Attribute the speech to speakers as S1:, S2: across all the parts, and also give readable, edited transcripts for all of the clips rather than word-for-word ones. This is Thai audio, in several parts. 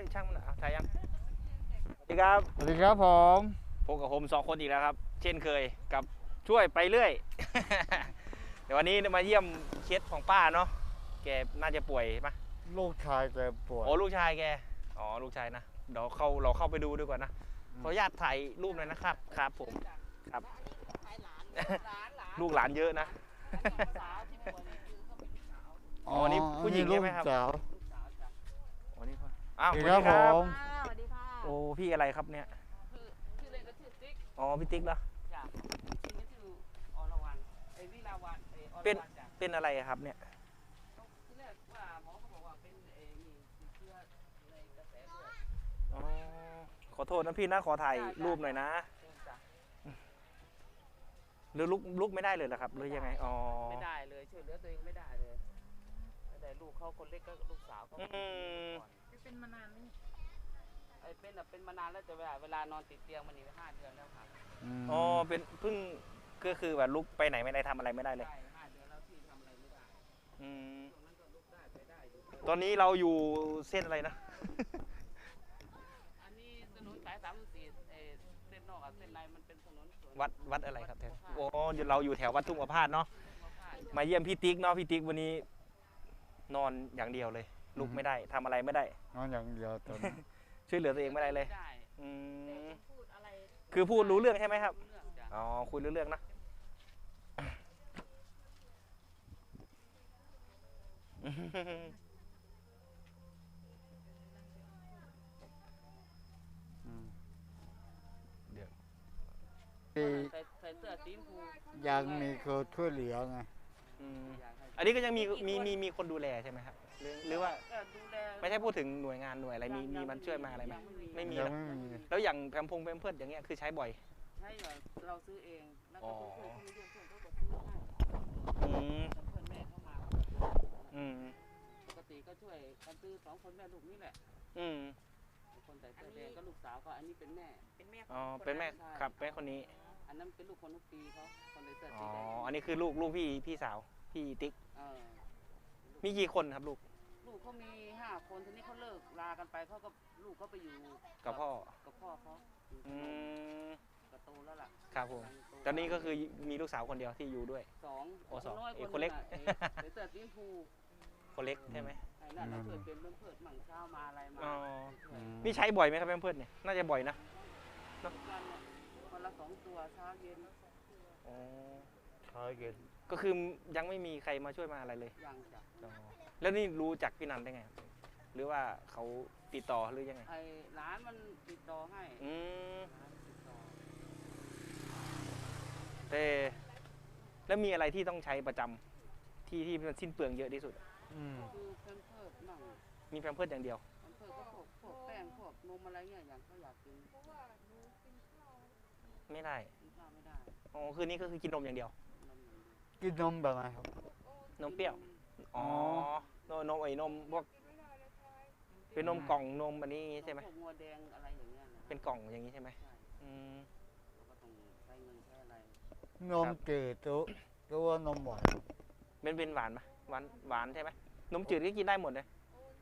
S1: ยช่างมันถ่ายยังสวัสดีครับ
S2: สวัสดีครับผม
S1: พบกับผม2 คนอีกแล้วครับเช่นเคยกับช่วยไปเรื่อย เดี๋ยววันนี้มาเยี่ยมเคสของป้าเนาะแกน่าจะป่วยปะ
S2: ลูกชายแกป่วย
S1: โอ้ลูกชายแกอ๋อลูกชายนะเดี๋ยวเราเข้าไปดูดีกว่านะขออนุญาตถ่ายรูปหน่อยนะครับครับผมครับลูกหลานเยอะนะอ๋อนี่ผู้หญิงใช่ไหมครับอ๋อนี่พ่ออ้าวสวัสดีครับ
S3: สวัสดีค่ะ
S1: โอ้พี่อะไรครับเนี่ย
S3: ชื่อเล่นก็ชื่อติ๊ก
S1: อ๋อพี่ติ๊กเหรอ
S3: จ้ะชื่อนี้ชื่ออรวรรณวิลาวันอรวรรณจ้ะ
S1: เป็นอะไรครับเนี่ย
S3: ที่แรกว่าหมอเขาบอกว่าเป็นนี่ติดเชื้อในกระแสเลือด
S1: อ๋อขอโทษนะพี่นะขอถ่ายรูปหน่อยนะหรือลุกไม่ได้เลยเหรอครับหรือยังไงอ๋อ
S3: ไม่ได้เลยช่วยเหลือตัวเองไม่ได้เลยแต่ลูกเขาคนเล็กก็ลูกสาวเขาเป็นมานานไหมเป็นมานานแล้วแต่เวลานอนติดเตียงมันนี่5 เดือนแล้วค่ะ
S1: อ๋อเป็นเพิ่งก็คือแบบลุกไปไหนไม่ได้ทำอะไรไม่ได้เลย
S3: 5 เดือนแล้วที่ทำอะไรไม่ได้ตรงนั้นก็ลุกได้ไปได้อยู่
S1: ตอนนี้เราอยู่เส้นอะไรนะ
S3: อันนี้ถนนสาย34เส้นนอกกับเส้นในมันเป็นถนน
S1: วัดอะไรครับแถวโอ้เราอยู่แถววัดทุ่งประพาสเนาะมาเยี่ยมพี่ติ๊กเนาะพี่ติ๊กวันนี้นอนอย่างเดียวเลยลุกไม่ได้ทำอะไรไม่ได้
S2: นอนอย่างเดียวตอนนี้
S1: ช่วยเหลือตัวเองไม่ได้เลยคือพูดรู้เรื่องใช่ไหมครับอ๋อคุยรู้เรื่องนะเดี๋ยว
S3: ใส่เสื้อสีชมพู
S2: ยังมีคนช่วยเหลือไง
S1: อันนี้ก็ยังมีคนดูแลใช่ไหมครับหรือว่าไม่ใช่พูดถึงหน่วยงานหน่วยอะไรมีมันช่วยมาอะไรไหมไม่มีแล้วอย่างแพมเพิร์ดอย่างเงี้ยคือใช้บ่อย
S3: ใช่เราซื้อเองแล้วก็ช่วยเขาไม่ยุ่งเพื่อนเขาก็ซื้อให้เพื่อนแม่เข้ามาปกติก็ช่วยกันซื้อ2 คนแม่ลูกนี่แหละคนใส่เสื้อแดงก็ลูกสาวก็อันนี้เป็นแม่
S1: อ๋อเป็นแม่ครับแม่คนนี้
S3: อันนั้นเป็นลูกคนทุกปีเขาคนใส่เสื้อ
S1: สี
S3: แดง
S1: อันนี้คือลูกพี่สาวพี่ติ๊กมีกี่คนครับลูก
S3: เขามี5 คนทีนี้เขาเลิกลากันไปเขาก็ลูกเขาไปอยู่
S1: กับพ่อ
S3: เขากระโตแล้วล่ะ
S1: ครับผมตอนนี้ก็คือมีลูกสาวคนเดียวที่อยู่ด้วย2คนเล็ก
S3: เสื้อสีชมพู
S1: คนเล็กใช่ไหม
S3: นั่นเราเคยเป็นเพื่อนมั่งเช้ามาอะไรมา
S1: นี่ใช้บ่อยไหมครับเพื่อนเนี่ยน่าจะบ่อยนะ
S3: วันละ2 ตัวเช้าเย็น
S1: เช้าเย็นก็คือยังไม่มีใครมาช่วยมาอะไรเลย
S3: ยังจ้ะ
S1: แล้วนี่รู้จักพี่นันได้ไงหรือว่าเขาติดต่อหรือยังไง
S3: ร้านมันติดต่อให้
S1: แล้วมีอะไรที่ต้องใช้ประจำที่มันสิ้นเปลืองเยอะที่สุด
S3: คือแพมเพิร์สมั่ง
S1: มีแพมเพิร์สอย่างเดียว
S3: แพมเพิร์สก็พวกแป้งพวกนมอะไรเงี้ยอย่างเขาอยากกิน
S1: ไม่ได้อ๋อคืนนี้ก็คือกินนมอย่างเดียว
S2: กินนมแบบไหนครับ
S1: นมเปรี้ยวอ๋อนมพวกเป็นนมกล่องนมอันนี้ใช่ไหม
S3: งัวแดงอะไรอย่างเงี้ย
S1: เป็นกล่องอย่างนี้ใช่ไหม
S3: ก็ต้องใช้เงินใช้อะไร
S2: นมจืดตัวนมหวาน
S1: เป็นหวานไหมหวานใช่ไหมนมจืดก็กินได้หมดเลย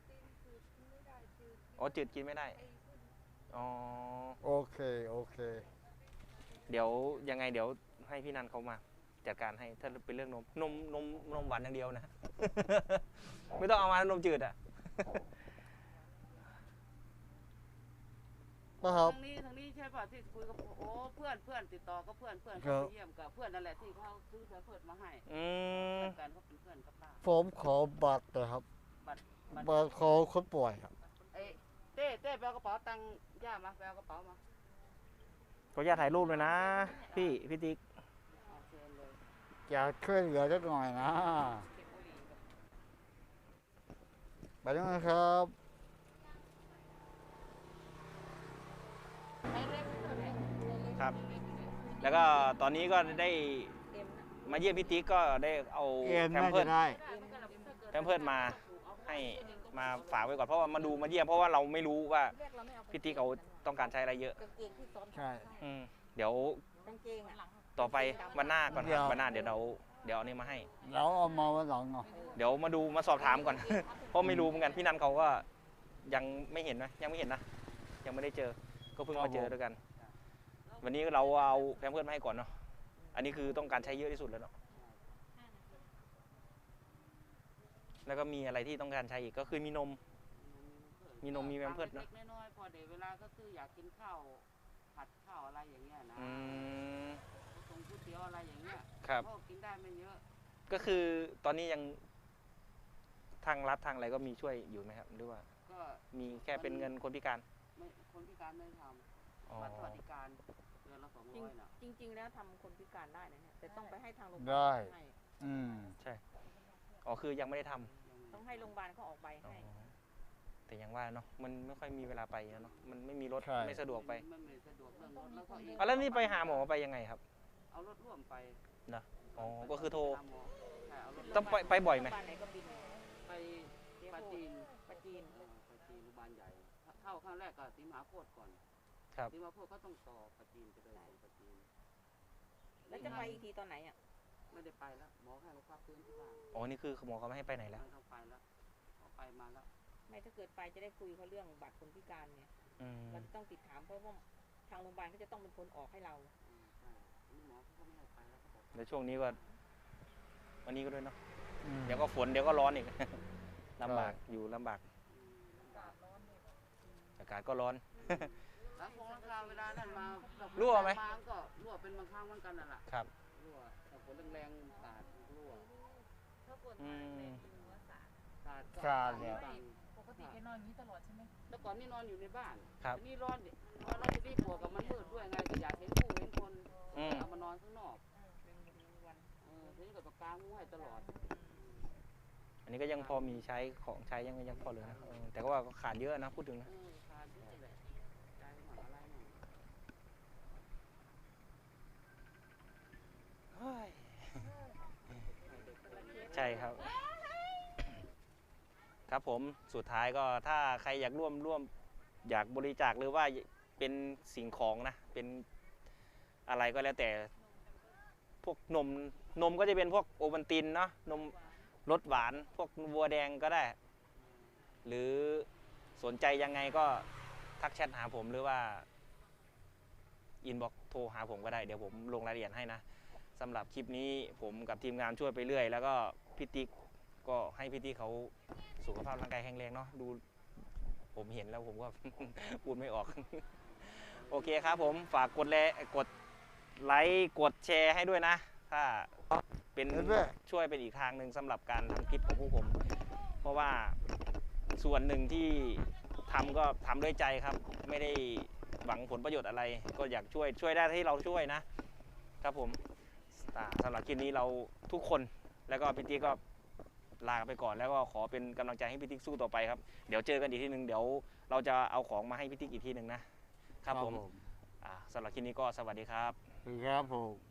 S1: อ๋อจืดกินไม่ได้อ๋อ
S2: โอเค
S1: เดี๋ยวยังไงเดี๋ยวให้พี่นันเขามาจัดการให้ถ้าเป็นเรื่องนมหวานอย่างเดียวนะ ไม่ต้องเอามานมจืดอ่ะ
S2: ครับ
S3: ทางนี้ใช่ป่ะที่คุยกับโอ้เพื่อนติดต่อก็เพื่อนเขาเยี่ยมกับเพื่อนนั่นแหละที่เขาซื้อเพื่อนมาให้การเขาเป็นเพื่อนกับป้า
S2: ผมขอบัตรเลยครับบัตรขอคนป่วยครับ
S3: เต้ไปเอากระเป๋าตังค์ย่ามาไปเอากระเป๋ามา
S1: ขออนุญาตถ่ายรูปเลยนะพี่ติ๊ก
S2: อยากช่วยเหลือสักหน่อยนะไปด้วยนะครับ
S1: ครับแล้วก็ตอนนี้ก็ได้มาเยี่ยมพี่ติ๊กก็ได้เอาแพมเพิร์สมาให้มาฝากไว้ก่อนเพราะว่ามาเยี่ยมเพราะว่าเราไม่รู้ว่าพี่ติ๊กเขาต้องการใช้อะไรเยอะ
S2: ใช่
S1: เดี๋ยวต่อไปวันหน้าก่อนครับวันหน้าเดี๋ยวเอานี่มาให้
S2: แล้วเอามาวันหลัง
S1: เดี๋ยวมาสอบถามก่อนเพราะไม่รู้เหมือนกันพี่นันเขาก็ยังไม่เห็นนะยังไม่เห็นนะยังไม่ได้เจอก็เพิ่ง
S2: ครับ
S1: มาเจอด้วยกัน วันนี้เราเอาแพมเพิร์สมาให้ก่อนเนาะอันนี้คือต้องการใช้เยอะที่สุดแล้วเนาะแล้วก็มีอะไรที่ต้องการใช้อีกก็คือมีนมมีแพมเพิร์สเนอะ
S3: เล็กๆน้อยๆพอเดี๋ยวเวลาก็คืออยากกินข้าวผัดข้าวอะไรอย่างเงี้ยนะ ตรงก๋วยเตี๋ยวอะไรอย่างเงี้ย
S1: ครับ
S3: ก็กินได้ไม่เยอะ
S1: ก็คือตอนนี้ยังทางรัฐทางอะไรก็มีช่วยอยู่ไหมครับหรือว่า
S3: ก็
S1: มีแค่เป็นเงินคนพิการ
S3: ไม่คนพิการไม่ท
S1: อ๋อ
S3: ำบัตรสวัสดิการเดือนละ200น่ะ
S4: จริงๆแล้วทำคนพิการได้นะเนี่ยแต่ต้องไปให้ทางโรงพยา
S2: ได้
S4: บาลให้
S2: อืม
S1: ใช่อ๋อคือยังไม่ได้ทำ
S4: ต้องให้โรงพยาบาลเขาออกใบ
S1: อ๋อ
S4: ให้
S1: แต่ยังว่าเนาะมันไม่ค่อยมีเวลาไปเนาะมันไม่มีรถ
S2: ใช่
S1: ไม่สะดวกไป
S3: ไม่สะดวกเรื่องรถแล้วก็อีก
S1: แล้วนี่ไปหาหมอไปยังไงครับ
S3: เอารถร่วมไป
S1: นะอ๋อก็คือโทร
S3: หาหมอใช่เอารถ
S1: ต้องไปบ่อยไหม
S4: โรงพยาบาลไหนก็บิน
S3: ไปปาจีน
S4: ปาจีน
S3: ปาจีนโรงพยาบาลใหญ่เข้าครั้งแรกก็ศรีมหาโพธิ์ก่อน
S1: ครับ
S3: ศรีมหาโพธิ์ก็ต้องต่อปาจีนไปเลยปาจีน
S4: แล้วจะไปอีกทีตอนไหนอ่ะ
S3: ไม่ได้ไปแล้วหมอให้มาพักฟื้นที่บ้าน
S1: อ๋อนี่คือหมอเขาไม่ให้ไปไหนแล้ว
S3: ไม่ต้องไปแล้วเขาไปมาแล้ว
S4: ไม่ถ้าเกิดไปจะได้คุยเขาเรื่องบัตรคนพิการเนี่ย
S1: อืม
S4: เราจะต้องติดถามเพราะว่าทางโรงพยาบาลก็จะต้องเป็นคนออกให้เรา
S3: ใช่นี่หมอเขาก็ไม่ให้ไปแล้วเขาบอก
S1: แล้วช่วงนี้ก็วันนี้ก็ด้วยเนาะ
S2: อืม
S1: เดี๋ยวก็ฝนเดี๋ยวก็ร้อนอีก ลำบากอยู่ลำบากอากาศก็ร้อน
S3: แล้วคงราคาเวลานั้นมา
S1: รั่วไหม
S3: มาก็รั่วเป็นบางครั้งเหมือนกันนั่นแหละ
S1: ครับ
S3: รั่วถ้าฝนแรงๆสาดรั่ว
S1: อืม
S3: สาดก็
S2: สาดเนี่ย
S3: บ้าง
S5: ปกติแกนอนอย่างนี้ตลอดใช่ไหม
S3: แต่ก่อนนี่นอนอยู่ในบ้าน
S1: ครับ
S3: ทีนี่ร้อนดินอนแล้วทีนี่กลัวกับมันมืดด้วยไงก็อยากเห็นผู้เห็นคน
S1: อืม
S3: เอามานอนข้างนอก
S4: เป็นวัน
S3: ทีนี้ก็ต้องกางมุ้งให้ตลอด
S1: อันนี้ก็ยังพอมีใช้ของใช้ยังพอเหลือนะแต่ก็ว่าก็ขาดเยอะนะพูดถึงนะ
S3: ทานที่แหละใจหมาอะไรหน่อย
S1: ใช่ครับ ครับผมสุดท้ายก็ถ้าใครอยากร่วมอยากบริจาคหรือว่าเป็นสิ่งของนะ เป็นอะไรก็แล้วแต่พวกนมก็จะเป็นพวกโอวัลตินเนาะนมรสหวานพวกวัวแดงก็ได้ หรือสนใจยังไงก็ทักแชทหาผมหรือว่าอินบ็อกโทรหาผมก็ได้เดี๋ยวผมลงรายละเอียดให้นะสำหรับคลิปนี้ผมกับทีมงานช่วยไปเรื่อยแล้วก็พี่ติ๊กก็ให้พี่ติ๊กเขาสุขภาพร่างกายแข็งแรงเนาะดูผมเห็นแล้วผมก็ พูดไม่ออก โอเคครับผมฝากกดไลค์กดแชร์ให้ด้วยนะ ถ้าเป็น
S2: เห็นด้วย
S1: ช่วยเป็นอีกทางหนึ่งสำหรับการทำคลิปของพวกผม เพราะว่าส่วนหนึ่งที่ทำก็ทำด้วยใจครับ ไม่ได้หวังผลประโยชน์อะไร ก็อยากช่วยได้ที่เราช่วยนะครับผมสำหรับคลิปนี้เราทุกคนแล้วก็พี่ติ๊กก็ลาไปก่อนแล้วก็ขอเป็นกำลังใจให้พี่ติ๊กสู้ต่อไปครับเดี๋ยวเจอกันอีกทีหนึ่งเดี๋ยวเราจะเอาของมาให้พี่ติ๊กอีกทีหนึ่งนะครับผมสำหรับคลิปนี้ก็สวัสดีครับ
S2: ครับผม